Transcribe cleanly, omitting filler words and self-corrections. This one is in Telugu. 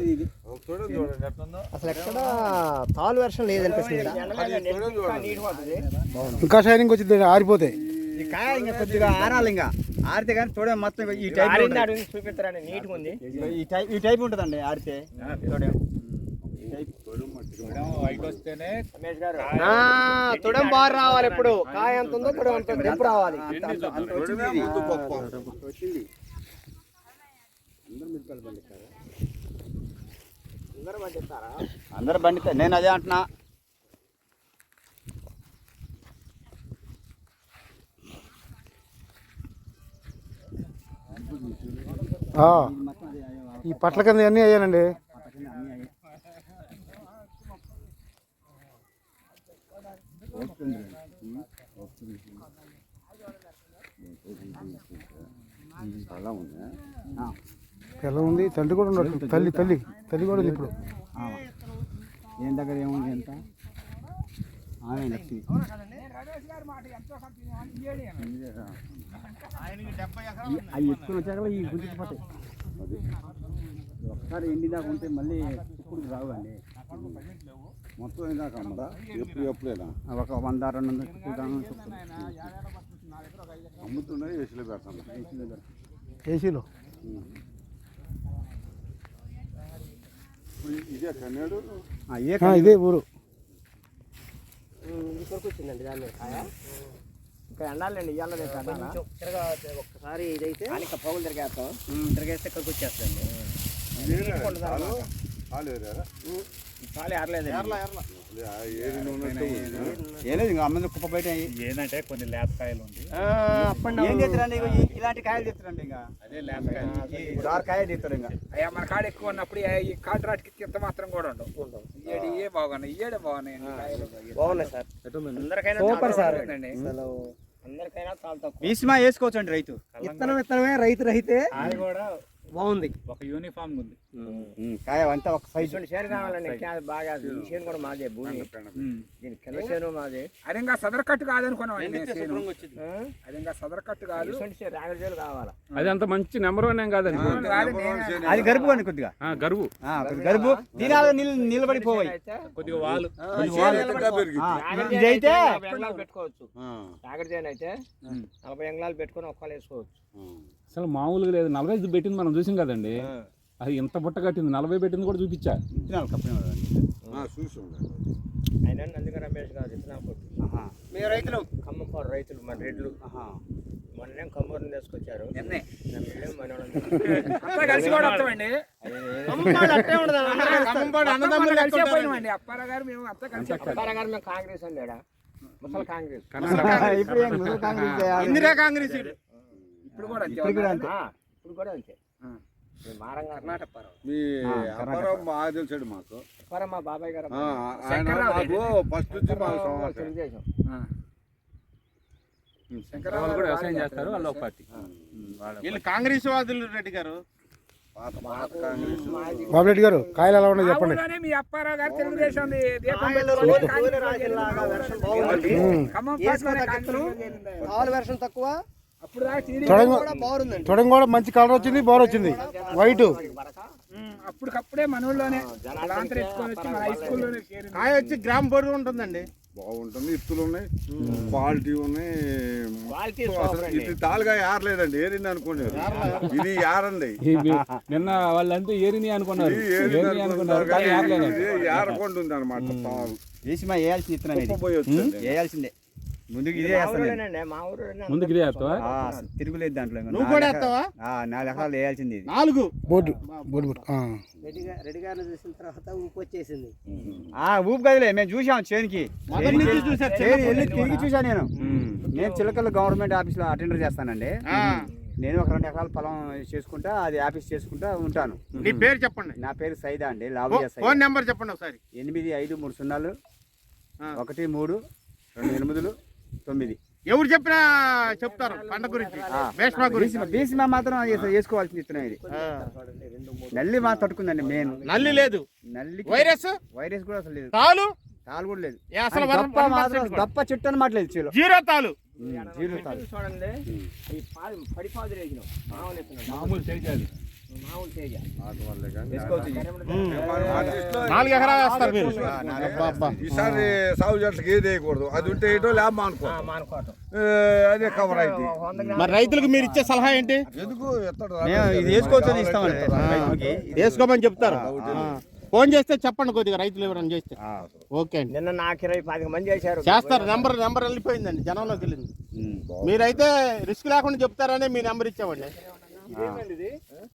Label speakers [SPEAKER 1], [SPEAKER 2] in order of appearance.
[SPEAKER 1] అసలు ఎక్కడ తాలు వర్షం లేదనిపిస్తుంది.
[SPEAKER 2] ఇంకా షైనింగ్ వచ్చింది ఆరిపోతే
[SPEAKER 3] ఈ కాయ ఇంకా కొద్దిగా ఆరాలి, ఇంకా ఆరితే కానీ తోడే మొత్తం ఈ టైప్
[SPEAKER 1] చూపిస్తారండి. నీట్గా ఉంది.
[SPEAKER 3] ఈ టైప్ ఉంటుందండి ఆరితే తోడే.
[SPEAKER 1] తుడం బాగా రావాలి. ఇప్పుడు కాయ ఎంత ఉందో తుడం అంత దింపు రావాలి.
[SPEAKER 3] అందరు బండిస్తారు. నేను అదే అంటున్నా.
[SPEAKER 2] ఈ పట్ల కింద అన్నీ అయ్యానండి. పిల్ల ఉంది, తల్లి కూడా ఉండదు. తల్లి కూడా ఉంది. ఇప్పుడు
[SPEAKER 3] ఏం దగ్గర ఏముంది ఎంత లక్ష్మి అవి ఎక్కువ వచ్చాక ఈ గుంజుకుపోతాయి. ఒకసారి ఎండి దాకా ఉంటే మళ్ళీ ఇప్పుడు రావండి.
[SPEAKER 4] మొత్తం ఇందాక అమ్మదా ఎప్పుడైనా
[SPEAKER 3] ఒక 100-200
[SPEAKER 4] అమ్ముతున్నాయి. ఏసీలో పెడతాను.
[SPEAKER 2] ఏసీలో
[SPEAKER 4] ఇదే కన్నాడు.
[SPEAKER 2] ఇదే ఊరు.
[SPEAKER 1] వచ్చిందండి దాని మీద కాయ. ఇంకా ఎండాలండి. ఇవాళ ఒక్కసారి ఇదైతే ఇంకా పౌలు తిరిగేస్తాం. తిరిగేస్తే ఇక్కడికి వచ్చేస్తుందండి.
[SPEAKER 3] ఏలేదు ఇంకా అమ్మ కుప్ప బయట
[SPEAKER 5] ఏంటంటే కొన్ని లేతకాయలు ఉంది.
[SPEAKER 3] ఏం చేస్తారండి ఇలాంటి కాయలు తెస్తారండి. ఇంకా
[SPEAKER 5] అదే లేతకాయలు
[SPEAKER 3] కాయలు తెస్తారు. ఇంకా
[SPEAKER 5] అయ్యా మన కాడ ఎక్కువ ఉన్నప్పుడు ఈ కాంట్రాక్ట్కి ఇంత మాత్రం కూడా ఉండవు. ఇయ్యే బాగున్నాయి. ఇయ్యడే బాగున్నాయి.
[SPEAKER 1] బాగున్నాయి సార్. అందరికైనా
[SPEAKER 3] సూపర్ సార్.
[SPEAKER 1] అందరికైనా చాలా తక్కువ.
[SPEAKER 3] భీష్మా వేసుకోవచ్చు అండి. రైతు
[SPEAKER 1] విత్తనమే రైతు రహితే
[SPEAKER 5] అది కూడా
[SPEAKER 1] బాగుంది.
[SPEAKER 5] ఒక యూనిఫామ్ ఉంది.
[SPEAKER 3] కాయ అంతా ఒక సైజు
[SPEAKER 1] చేను కావాలండి. బాగా ఈ చేను కూడా మాదే. భూమి దీని కింద చేను మాదే.
[SPEAKER 5] అది ఇంకా సదర్ కట్టు కాదనుకున్నాం. అది ఇంకా సదర్ కట్టు కాదు.
[SPEAKER 1] రాగడి చేలు కావాలా.
[SPEAKER 6] అది అంత మంచి నెంబర్ 1 ఏం కాదండి.
[SPEAKER 3] అది గరుపు అండి. కొద్దిగా గరుపు దీనాలు నిలబడిపోయి
[SPEAKER 5] కొద్దిగా వాళ్ళు
[SPEAKER 3] ఇదైతే
[SPEAKER 1] పెట్టుకోవచ్చు. రాగడి చేను అయితే 40 ఎంగళాలు పెట్టుకొని ఒక్కలు వేసుకోవచ్చు.
[SPEAKER 6] అసలు మామూలుగా లేదు. 45 పెట్టింది మనం చూసాం కదండి. అది ఎంత బుట్ట కట్టింది. 40 పెట్టింది కూడా చూపించా.
[SPEAKER 1] అయినా నందిగా రమేష్ గారు
[SPEAKER 3] మీరు రైతులు
[SPEAKER 1] ఖమ్మంపాడు రైతులు మన రెడ్లు మొన్నేం కమ్మూరుని తీసుకొచ్చారు.
[SPEAKER 5] కలిసి కూడా వస్తామండి. అప్పారావు మేము అంతా కలిసి.
[SPEAKER 1] అప్పారావు గారు మేము కాంగ్రెస్ అండి. ముసలి కాంగ్రెస్.
[SPEAKER 3] ఇందిరా కాంగ్రెస్.
[SPEAKER 5] ఇప్పుడు కూడా
[SPEAKER 1] అంతే.
[SPEAKER 4] మీ అప్పారావు బాగా తెలిసాడు మాకు.
[SPEAKER 1] మా బాబాయ్ గారు
[SPEAKER 4] ఫస్ట్ నుంచి మాకు
[SPEAKER 1] తెలుగుదేశం.
[SPEAKER 6] శంకరరావు కూడా వ్యవసాయం చేస్తారు. వాళ్ళు ఒక పార్టీ.
[SPEAKER 3] వీళ్ళు కాంగ్రెస్ వాదులు. రెడ్డి గారు
[SPEAKER 2] బాబు రెడ్డి గారు కాయలు ఎలా ఉన్నాయి చెప్పండి.
[SPEAKER 5] మీ అప్పారావు గారు తెలుగుదేశం
[SPEAKER 1] వర్షం తక్కువ.
[SPEAKER 2] తొడం కూడా మంచి కలర్ వచ్చింది. బోర్ వచ్చింది వైట్.
[SPEAKER 5] అప్పటికప్పుడే మనోళ్ళలోనే హై స్కూల్లోనే
[SPEAKER 3] కాయ వచ్చి గ్రామ్ బరువు ఉంటుందండి.
[SPEAKER 4] బాగుంటుంది. ఇత్తులు ఉన్నాయి, క్వాలిటీ ఉన్నాయి. ఇది తాలుగా ఏరలేదండి. ఏరింది అనుకోండి. ఇది ఏరండి.
[SPEAKER 6] నిన్న వాళ్ళంతా ఏరిని అనుకున్నారు.
[SPEAKER 4] ఏరకుండా ఉంది అనమాట. తాలు
[SPEAKER 3] వేసి వేయాల్సిన ఇత్తనం వేయాల్సిందే. ముందుకు ఇదే
[SPEAKER 6] ముందుకు ఇదే వేస్తావా?
[SPEAKER 3] తిరుగులేదు దాంట్లో.
[SPEAKER 1] నువ్వు కూడా వేస్తావా?
[SPEAKER 3] 4 ఎకరాలు వేయాల్సింది.
[SPEAKER 2] 4 బోర్డు
[SPEAKER 1] రెడ్డి గారిని చూసిన తర్వాత ఊపు వచ్చేసింది.
[SPEAKER 3] ఊపు కదలే, మేము చూసాం. చేనికి తిరిగి చూసా. నేను చిలకల గవర్నమెంట్ ఆఫీస్ లో అటెండర్ చేస్తానండి. నేను ఒక 2 ఎకరాల పొలం చేసుకుంటా, అది ఆఫీస్ చేసుకుంటా ఉంటాను.
[SPEAKER 2] నీ పేరు చెప్పండి.
[SPEAKER 3] నా పేరు సైదా అండి. లాభయ్య సైదా.
[SPEAKER 2] ఫోన్ నెంబర్ చెప్పండి ఒకసారి.
[SPEAKER 3] 8530
[SPEAKER 2] ఎవరు చెప్పినా చెప్తారు పంట గురించి.
[SPEAKER 3] భీష్మా మాత్రం వేసుకోవాల్సింది ఇత్తనం. ఇది నల్లి మా తట్టుకుందండి. మెయిన్
[SPEAKER 2] నల్లి లేదు.
[SPEAKER 3] నల్లి
[SPEAKER 2] వైరస్
[SPEAKER 3] కూడా అసలు లేదు.
[SPEAKER 2] తాలు
[SPEAKER 3] కూడా లేదు.
[SPEAKER 2] దప్ప
[SPEAKER 3] చెట్టు అనమాట లేదు.
[SPEAKER 2] జీరో తాలు.
[SPEAKER 1] చూడండి. ఈ పడిపాదు రేగిన
[SPEAKER 6] మామూలు తెలియాలి.
[SPEAKER 1] మామూలు తేజ
[SPEAKER 4] వాటి వల్లే కానీ
[SPEAKER 3] వేసుకోవచ్చు ఇది.
[SPEAKER 4] ఆర్టిస్ట్లో
[SPEAKER 2] 4 ఎకరాలు వేస్తారు మీరు
[SPEAKER 4] ఈసారి సాగు చెట్లకి ఏది వేయకూడదు, అది ఉంటే ఏటో లేమ్మా అనుకో,
[SPEAKER 1] మానుకోవటం
[SPEAKER 4] అదే కవర్ అయితే.
[SPEAKER 1] 100 గ్రాములు
[SPEAKER 2] మరి రైతులకు మీరు ఇచ్చే సలహా ఏంటి?
[SPEAKER 4] ఎందుకు ఎత్తడు
[SPEAKER 3] మేము ఇది వేసుకోవచ్చు అని ఇస్తామండి రైతులకి.
[SPEAKER 2] వేసుకోమని చెప్తారు. ఫోన్ చేస్తే చెప్పండి కొద్దిగా రైతులు ఎవరైనా చేస్తే. ఓకే అండి,
[SPEAKER 1] నిన్న నాకు 20-25 మంది చేశారు.
[SPEAKER 2] చేస్తారు. నెంబర్ వెళ్ళిపోయిందండి, జనంలోకి వెళ్ళింది. మీరైతే రిస్క్ లేకుండా చెప్తారని మీ నెంబర్ ఇచ్చామండి.